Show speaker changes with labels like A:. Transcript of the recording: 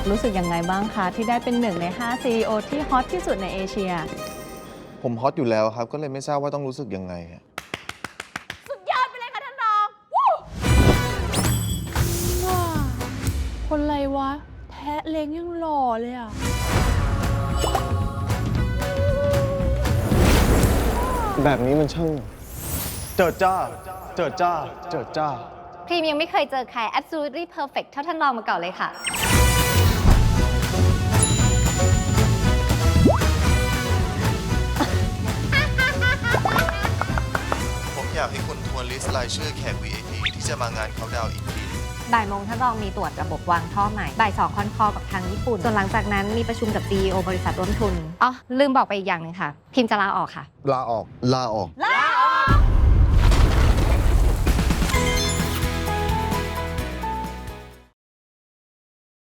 A: รู้สึกยังไงบ้างคะที่ได้เป็น1 ใน 5 CEO ที่ฮอตที่สุดในเอเชีย
B: ผมฮอตอยู่แล้วครับก็เลยไม่ทราบว่าต้องรู้สึกยังไงอะ
C: สุดยอดไปเลยค่ะท่านรองวู้ว้าคนไรวะ แทะเล้งยังหล่อเลยอ่ะ
B: แบบนี้มันช่างเจิดจ้าเจิดจ้าเจิดจ้า
D: พรีมยังไม่เคยเจอใคร absolutely perfect เท่าท่านรองมาก่อนเลยค่ะ
B: ผมอยากให้คุณทวนลิสต์รายชื่อแขก VIP ที่จะมางานเขาดาวอีกที
D: บ่ายโมงท่านรองมีตรวจระบบวางท่อใหม่บ่าย2คอนคอลกับทางญี่ปุ่น ส่วนหลังจากนั้นมีประชุมกับ CEO บริษัทร่วมทุน อ๋อ ลืมบอกไปอีกอย่างหนึงค่ะ พิมจะลาออกค่ะ
B: ลาออก ลาออก
C: ลา